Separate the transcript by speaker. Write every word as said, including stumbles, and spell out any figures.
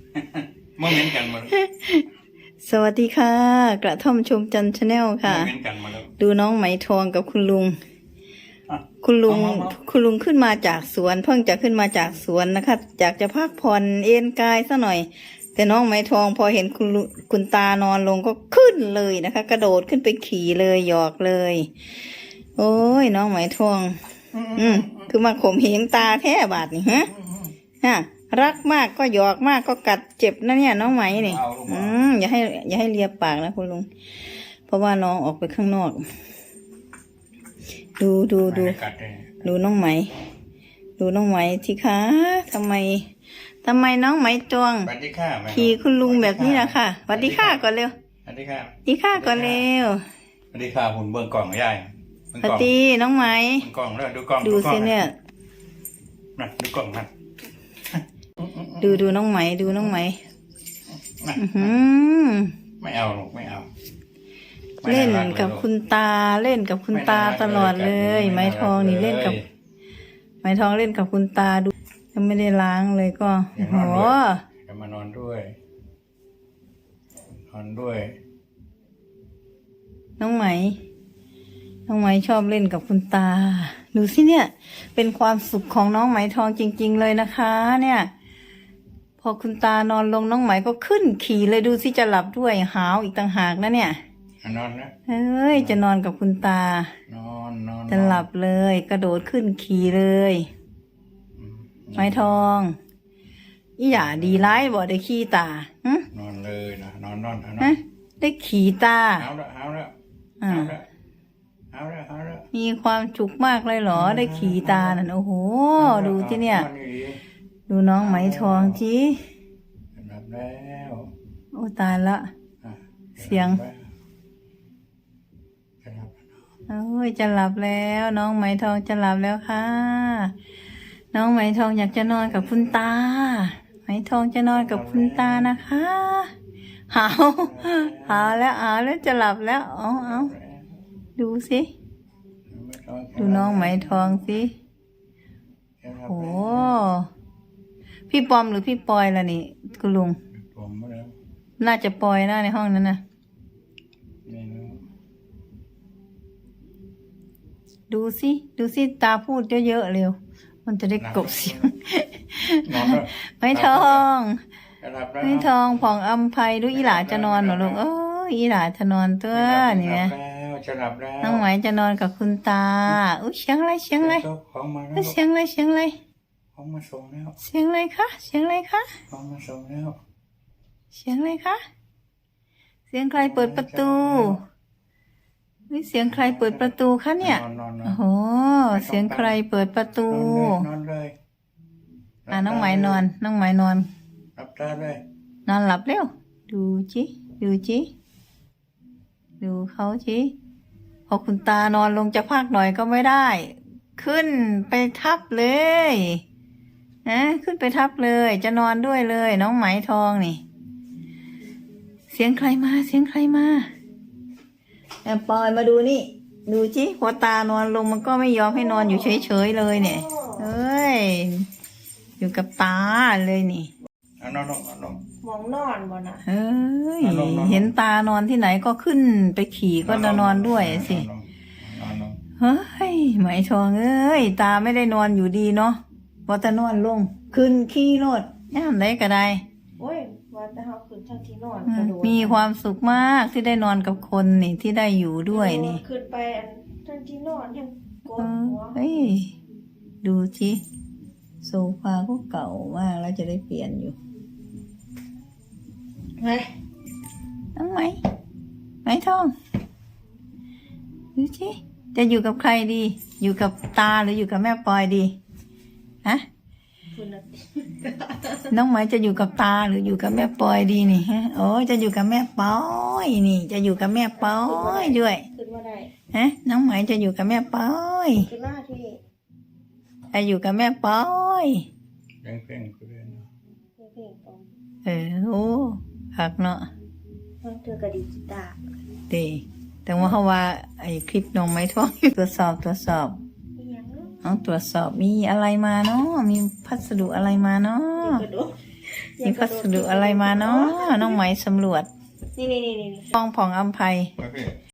Speaker 1: เมื่อเม้นกันมา
Speaker 2: สวัสดีค่ะกระท่อมชมจันทร์ชาแนลค่ะ
Speaker 1: เม้นกันมาแล้ว
Speaker 2: ดูน้องไหมทองกับคุณลุงคุณลุงคุณลุงขึ้นมาจากสวนเพิ่งจะขึ้นมาจากสวนนะคะอยากจะพักผ่อนเอนกายซะหน่อยแต่น้องไหมทองพอเห็นคุณคุณตานอนลงก็ขึ้นเลยนะคะ กระโดดขึ้นไปขี่เลยหยอกเลยโอ้ยน้องไหมทองอืมคือมาข่มเหงตาแท้บาดนี่ฮะฮะรักมากก็หยอกมากก็กัดเจ็บนะเนี่ยน้องไหมนี่อืมอย่าให้อย่าให้เลียปากนะคุณลุงเพราะว่าน้องออกไปข้างนอกดูดูดูดูน้องไหมดูน้องไหมที่คะทำไมทำไมน้องไหมจวงขี่คุณลุงแบบนี้นะค่ะสวัสดีค่ะก่อนเร็ว
Speaker 1: สวัสดีค่ะ
Speaker 2: สวัสดีค่ะก่อนเร็ว
Speaker 1: สวัสดีค่ะหุ่นเบื้องกล่องใหญ่
Speaker 2: สวัสดีน้องไหม
Speaker 1: กล่องเลยดูกล่อง
Speaker 2: ดูสิเนี่ย
Speaker 1: นะดูกล่องนะ
Speaker 2: ดูดูน้องไหมดูน้องไหม
Speaker 1: ไม่เอาหรอกไม่เอา
Speaker 2: เล่นกับคุณตาเล่นกับคุณตาตลอดเลยไม้ทองนี่เล่นกับไม้ทองเล่นกับคุณตาดูยังไม่ได้ล้างเลยก็โห
Speaker 1: จะมานอนด้วยนอนด้วย
Speaker 2: น้องไหมน้องไหมชอบเล่นกับคุณตาดูสิเนี่ยเป็นความสุขของน้องไหมทองจริงๆเลยนะคะเนี่ยพอคุณตานอนลงน้องไหมก็ขึ้นขี่เลยดูสิจะหลับด้วยหาวอีกต่างหากนะเนี่ย
Speaker 1: นอนนะ
Speaker 2: เอ้ยจะนอนกับคุณตาน
Speaker 1: อนนอน
Speaker 2: จะหลับเลยกระโดดขึ้นขี่เลยไม้ทองอีหย่าดีร้ายบ่ได้ขี่ตาน
Speaker 1: อนเลยนะนอนนอนน
Speaker 2: อนได้ขี่ตา
Speaker 1: เอาละเอาละเอาละเอาละเอาละ
Speaker 2: มีความจุกมากเลยเหรอได้ขี่ตานั่นโอ้โหดูที่เนี่ยดูน้องไหมทองจี
Speaker 1: หลับแล้ว
Speaker 2: โอ้ตายละเสียงโอ้ยจะหลับแล้วน้องไหมทองจะหลับแล้วค่ะน้องไหมทองอยากจะนอนกับคุณตาไหมทองจะนอนกับคุณตานะคะหาวหาวแล้วหาวแล้วจะหลับแล้วเอาเอาดูสิดูน้องไหมทองสิโอ้พี่ปอมหรือพี่ปอยล่ะนี่คุณลุงน่าจะปอยนะในห้องนั้นนะดูสิดูสิตาพูดเยอะๆเร็วมันจะได้กบเสียงไม้ทองไม้ทองผ่องอำไพดูอีหลาจะนอนเหรอลูกเอออีหลาจะนอนตัวนี่ไงน้องไหมจะนอนกับคุณตาอุ้ยเสียงอะไรเสียงอะไรเสียงอะไรเสียงอะไรเสียงอะไรคะเสียงอะไรคะเสียงอะไรคะเสียงใครเปิดประตูนี่เสียงใครเปิดประตูคะเนี่ยโอ้โหเสียงใครเปิดประตูอ่ะน้องไหมนอนน้องไหมนอน
Speaker 1: หลับตาเลย
Speaker 2: นอนหลับเร็วดูจิดูจิดูเขาจิพอคุณตานอนลงจะพักหน่อยก็ไม่ได้ขึ้นไปทับเลยนะขึ้นไปทับเลยจะนอนด้วยเลยน้องไหมทองนี่เสียงใครมาเสียงใครมาแอบปอยมาดูนี่ดูจิพอตานอนลงมันก็ไม่ยอมให้นอนอยู่เฉยๆเลยเนี่ยเอ้ยอยู่กับตาเลยนี่
Speaker 1: นอนนอนนอน
Speaker 3: มองนอนบ่นะ
Speaker 2: เอ้ยเห็นตานอนที่ไหนก็ขึ้นไปขี่ก็จะนอนด้วยสิเฮ้ยไหมทองเอ้ยตาไม่ได้นอนอยู่ดีเนาะว่าแต่นอนลงขึ้นขี่รถย่ามได้ก็ได้
Speaker 3: โอ้ยว่าแต่เฮาขึ้นทางที่นอนกระโดด
Speaker 2: มีความสุขมากที่ได้นอนกับคนนี่ที่ได้อยู่ด้วยนี่
Speaker 3: ขึ้นไปทางที่นอนยังกดหัว
Speaker 2: เฮ้ยดูสิโซฟาก็เก่ามากแล้วจะได้เปลี่ยนอยู่
Speaker 3: ไง
Speaker 2: น้องไหมไหมทองดูสิจะอยู่กับใครดีอยู่กับตาหรืออยู่กับแม่ปอยดีฮะน้องไหมจะอยู่กับตาหรืออยู่กับแม่ปอยดีนี่ฮะโอ้จะอยู่กับแม่ปอยนี่จะอยู่กับแม่ปอยด้วย
Speaker 3: ขึ้นมาได้
Speaker 2: ฮะน้องไหมจะอยู่กับแม่ปอย
Speaker 3: ขึ้นมาที่
Speaker 2: จะอยู่กับแม่ปอย
Speaker 1: เพลงเพลงก็ได้เนาะ
Speaker 2: เออโอ้หักเนาะ
Speaker 3: มันเธอกระดิกตา
Speaker 2: ดีแต่ว่าเขาว่าไอ้คลิปน้องไม้ทองตรวจสอบตรวจสอบต้องตรวจสอบมีอะไรมาเนาะมีพัสดุอะไรมาเนาะมีพัสดุอะไรมาเนาะน้องไหมสำรวจ
Speaker 3: นี่นี่นี่นี่
Speaker 2: ห้องผ่องอำไพ
Speaker 1: ประเภท